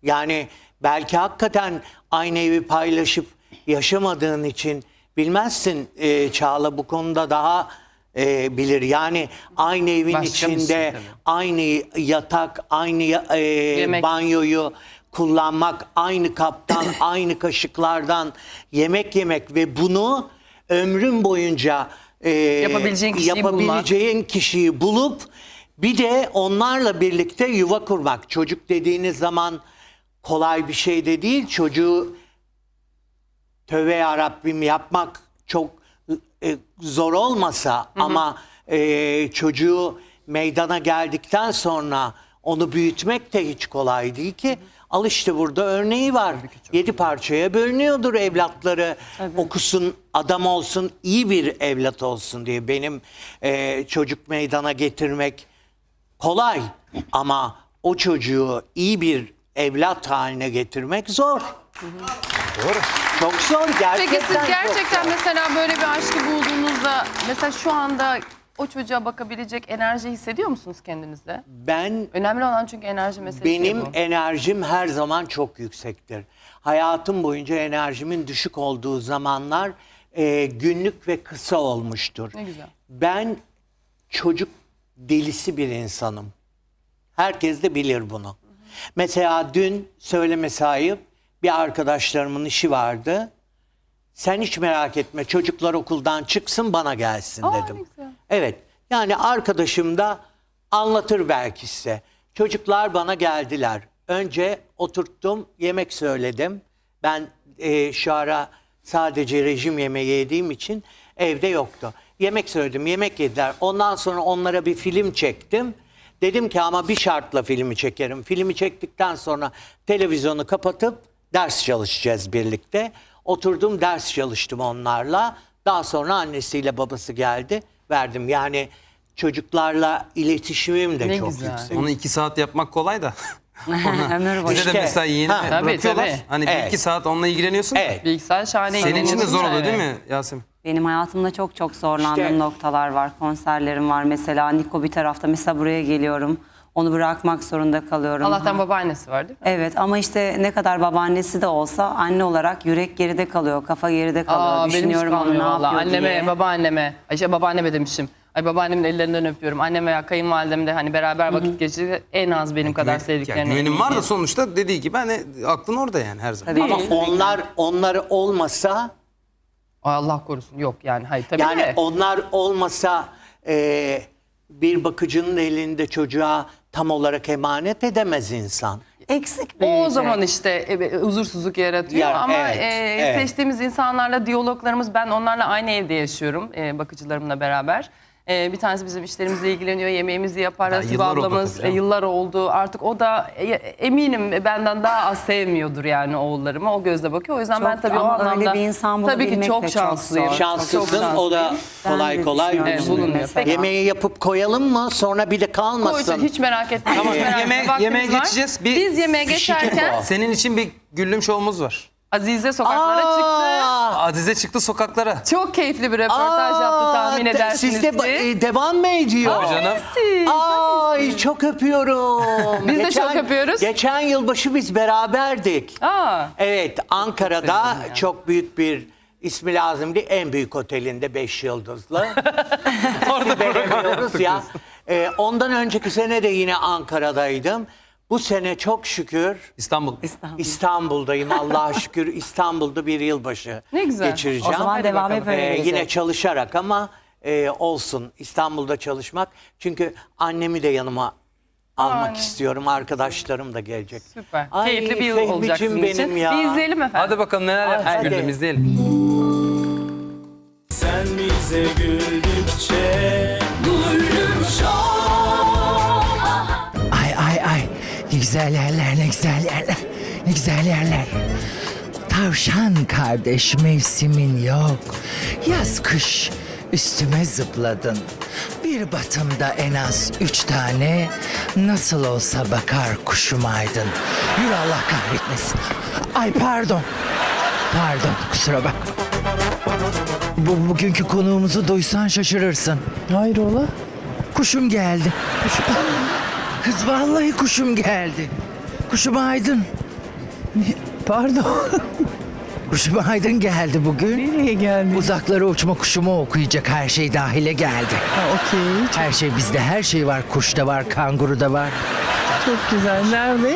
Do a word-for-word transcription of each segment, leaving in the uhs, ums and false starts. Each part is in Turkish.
Yani belki hakikaten aynı evi paylaşıp yaşamadığın için bilmezsin. Ee, Çağla bu konuda daha e, bilir. Yani aynı evin Başka bir içinde şey tabii. aynı yatak, aynı e, banyoyu kullanmak, aynı kaptan, aynı kaşıklardan yemek yemek ve bunu ömrün boyunca e, Yapabileceğin kişiyi yapabileceğin kişiyi bulup bir de onlarla birlikte yuva kurmak. Çocuk dediğiniz zaman kolay bir şey de değil. Çocuğu tövbe yarabbim yapmak çok e, zor olmasa hı hı. ama e, çocuğu meydana geldikten sonra onu büyütmek de hiç kolay değil ki. Hı hı. Al işte burada örneği var. Yedi parçaya bölünüyordur evlatları. Tabii. Okusun, adam olsun, iyi bir evlat olsun diye. Benim e, çocuk meydana getirmek kolay ama o çocuğu iyi bir evlat haline getirmek zor. Hı hı. Doğru. Çok zor gerçekten. Peki siz gerçekten mesela böyle bir aşkı bulduğunuzda mesela şu anda o çocuğa bakabilecek enerji hissediyor musunuz kendinizde? Ben önemli olan çünkü enerji meselesi. Benim bu. enerjim her zaman çok yüksektir. Hayatım boyunca enerjimin düşük olduğu zamanlar e, günlük ve kısa olmuştur. Ne güzel. Ben çocuk delisi bir insanım. Herkes de bilir bunu. Hı hı. Mesela dün söylemesi ayıp bir arkadaşlarımın işi vardı. Sen hiç merak etme çocuklar okuldan çıksın bana gelsin Aa, dedim. Evet yani arkadaşım da anlatır belki size. Çocuklar bana geldiler. Önce oturttum yemek söyledim. Ben e, şu ara sadece rejim yemeği yediğim için evde yoktu. Yemek söyledim yemek yediler. Ondan sonra onlara bir film çektim. Dedim ki ama bir şartla filmi çekerim. Filmi çektikten sonra televizyonu kapatıp ders çalışacağız birlikte. Oturdum ders çalıştım onlarla. Daha sonra annesiyle babası geldi. Verdim yani çocuklarla iletişimim de ne çok güzel. yüksek. Onu iki saat yapmak kolay da. İşte, Bize de mesela yeni ha, bırakıyorlar. tabii. Hani bir Evet. iki saat onunla ilgileniyorsun. Evet. Bilgisayar şahane. Senin için de zor oluyor yani. değil mi Yasemin? Benim hayatımda çok çok zorlandığım İşte- noktalar var. Konserlerim var mesela. Niko bir tarafta. Mesela buraya geliyorum. Onu bırakmak zorunda kalıyorum. Allah'tan Ha. babaannesi var değil mi? Evet ama işte ne kadar babaannesi de olsa anne olarak yürek geride kalıyor. Kafa geride kalıyor. Aa, benim hiç Düşünüyorum onu ne kalmıyor yapıyor vallahi. Anneme, diye. babaanneme, ay şey babaanneme demişim. Ay babaannemin ellerinden öpüyorum. Annem veya kayınvalidem de hani beraber vakit geçirdi. En az benim kadar sevdiklerine. Yani güvenim var da eminim. sonuçta dediği gibi hani aklın orada yani her zaman. Tabii. Ama Kesinlikle. onlar onları olmasa Ay Allah korusun. Yok yani hayır tabii yani de. onlar olmasa e, bir bakıcının elinde çocuğa tam olarak emanet edemez insan. Eksik O büyüyecek. zaman işte e, huzursuzluk yaratıyor Ya, ama evet, e, evet. seçtiğimiz insanlarla diyaloglarımız, ben onlarla aynı evde yaşıyorum e, bakıcılarımla beraber. E, bir tanesi bizim işlerimizle ilgileniyor, yemeğimizi yapar. Ya, Asibe yıllar oldu ablamız tabii e, canım. yıllar oldu. Artık o da e, eminim benden daha az sevmiyordur yani oğullarımı. O gözle bakıyor. O yüzden Çok ben tabii o ama öyle anlamda bir insan tabii ki bulabilmek çok de çok şanslıyım. zor. Şanslısın o da Ben kolay de kolay düşünüyorum Evet, bulunmuyor. bulunmuyor. mesela. Yemeği yapıp koyalım mı sonra bir de Koy, kalmasın. hiç merak etmeyin. Tamam, hiç merak yemeğe- etmeyin. Vaktimiz yemeğe var. geçeceğiz. Bir Biz yemeğe fişecek geçerken o. Senin için bir güllüm şovumuz var. Azize sokaklara çıktı. Aa, Azize çıktı sokaklara. Çok keyifli bir röportaj yaptı tahmin de- edersiniz Siz de ki. ba- e, devam mı ediyor? Tabii canım. Siz. Ay çok öpüyorum. Biz de çok öpüyoruz. Geçen yılbaşı biz beraberdik. Aa. Evet Ankara'da çok büyük bir ismi lazım değil en büyük otelinde beş yıldızlı. Orada veremiyoruz ya. Ee, ondan önceki sene de yine Ankara'daydım. Bu sene çok şükür İstanbul. İstanbul. İstanbul'dayım. Allah'a şükür İstanbul'da bir yılbaşı Ne güzel. geçireceğim. O zaman Hadi devam bakalım. hep öyle Ee, gelecek. yine çalışarak ama e, olsun İstanbul'da çalışmak. Çünkü annemi de yanıma almak Aa, istiyorum. Arkadaşlarım da gelecek. Süper. Ay, Keyifli bir yıl Fehmiciğim olacak sizin benim için. ya. Bir izleyelim efendim. Hadi bakalım neler yapmış hadi. güldüm izleyelim. Sen bize güldükçe Gülüm Ay ay ay ne güzel yerler ne güzel yerler ne güzel yerler. Tavşan kardeş mevsimin yok. Yaz kış üstüme zıpladın. Bir batımda en az üç tane nasıl olsa bakar kuşum aydın. Yürü Allah kahretmesin. Ay pardon. Pardon kusura bakma. Bu, bugünkü konuğumuzu duysan şaşırırsın. Hayrola? Kuşum geldi. Kuşum. Kız vallahi kuşum geldi. Kuşum aydın. Pardon. Kuşum Aydın geldi bugün. Nereye geldi? Uzaklara uçma kuşumu okuyacak, her şey dahile geldi. Ha, okey. Her şey bizde, her şey var. Kuşta var, kanguruda var. Çok güzel. Nerede?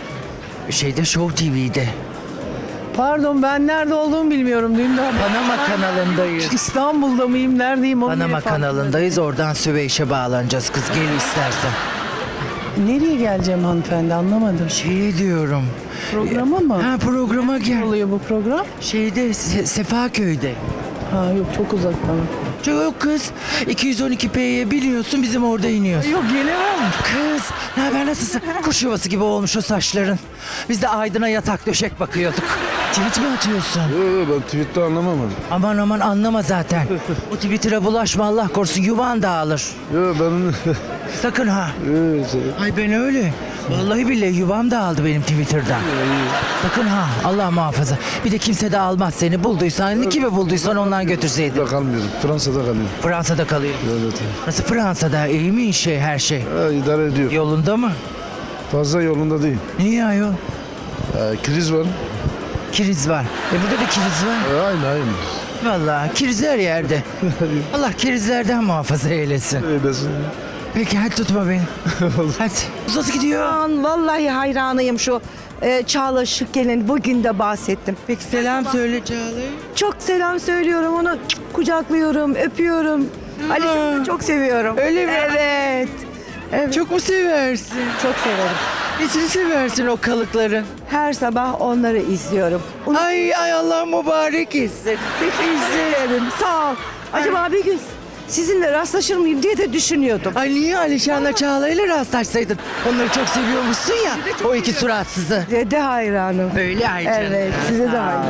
Şeyde Show T V'de. Pardon, ben nerede olduğumu bilmiyorum. Dün daha Panama kanalındayız. İstanbul'da mıyım? Neredeyim? onu Panama bile fark kanalındayız. Oradan Süveyş'e bağlanacağız kız. Gel istersen. etmedim. Nereye geleceğim hanımefendi, anlamadım. Şey diyorum. Programa mı? Ha programa Ne gel. oluyor bu program? Şeyde Se- Sefaköy'de. Ha yok, çok uzak bana. Çok kız. iki yüz on iki P'ye biliyorsun, bizim orada iniyoruz. Yok, gelemem. Kız, ne haber, nasılsın? Kuş yuvası gibi olmuş o saçların. Biz de Aydın'a yatak döşek bakıyorduk. Tweet mi atıyorsun? Yok ben tweette anlamadım. Aman aman anlama zaten. Bu Twitter'a bulaşma, Allah korusun, yuvan dağılır. Yok ben... Sakın ha. Evet, Ay ben öyle. Vallahi billahi yuvam dağıldı benim Twitter'dan. Sakın ha, Allah muhafaza. Bir de kimse de almaz seni. Bulduysan, kimi bulduysan ondan götürseydin. burada kalmıyorum. Fransa'da kalıyorum. Fransa'da kalıyor. Evet. Nasıl Fransa'da? İyi mi şey, her şey? Ha, idare ediyor. Yolunda mı? Fazla yolunda değil. Niye ayol? Ha, kriz var. Kriz var. E burada da kriz var. Ha, aynı aynı. Vallahi kriz her yerde. Allah krizlerden muhafaza eylesin. Öylesin. Peki hadi tutma beni. Hadi. Nasıl gidiyor? Aman, vallahi hayranıyım şu e, Çağla Şıkkel'in, bugün de bahsettim. Peki selam söyle Çağla'ya. Çok selam söylüyorum, onu kucaklıyorum, öpüyorum. Alişan'ı çok seviyorum. Öyle mi? Evet. Evet, çok, Çok mu seversin? çok severim. Nesini seversin o kalıkların? Her sabah onları izliyorum. Onu Ay ay Allah mübarek etsin. izlerim. Sağ ol. Acaba bir gün sizinle rastlaşır mıyım diye de düşünüyordum. Ay niye Alişan'la Çağla'yla rastlaşsaydın? Onları çok seviyormuşsun ya. O iki suratsızı. Dede hayranım. Öyle ay canım. Evet, size de hayranım.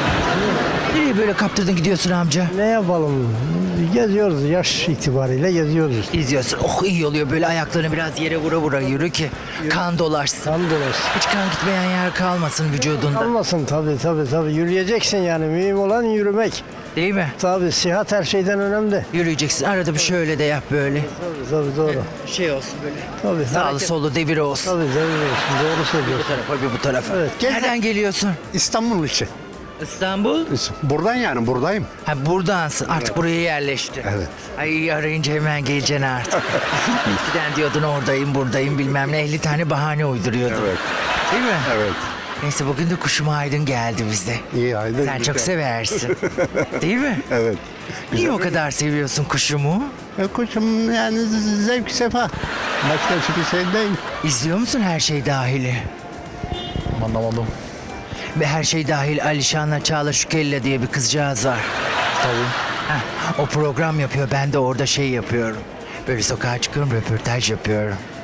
Nereye böyle kaptırdın gidiyorsun amca? Ne yapalım? Geziyoruz, yaş itibariyle geziyoruz. İzliyorsun. Oh iyi oluyor böyle, ayaklarını biraz yere vura vura yürü ki kan dolaşsın. Kan dolaşsın. Hiç kan gitmeyen yer kalmasın vücudunda. Olmasın tabii tabii tabii. Yürüyeceksin yani. Mühim olan yürümek. Değil mi? Tabii sıhhat her şeyden önemli. Yürüyeceksin. Arada bir şöyle de yap böyle. Tabii tabii doğru. Şey olsun böyle. Tabii. Sağlı hareket- solu devir olsun. Tabii tabii olsun. Doğru Bu söylüyorsun. tarafa bir bu tarafa. Evet. Nereden geliyorsun? İstanbul için. İstanbul. Buradan yani buradayım. Ha buradansın. Artık buraya yerleşti. Evet. Ay arayınca hemen geleceksin artık. Eskiden diyordun oradayım buradayım bilmem ne. elli tane bahane uyduruyordun. Evet. Değil mi? Evet. Neyse bugün de Kuşum Aydın geldi bize. İyi haydi. Sen çok seversin. Değil mi? Evet. Niye o kadar seviyorsun kuşumu? E, Kuşum yani z- zevk sefa. Başka hiçbir şey değil. İzliyor musun Her Şey Dahil'i? Anlamadım. Ve Her Şey Dahil Alişan'la Çağla Şükella diye bir kızcağız var. Tabii. Heh, o program yapıyor. Ben de orada şey yapıyorum. Böyle sokağa çıkıyorum, röportaj yapıyorum.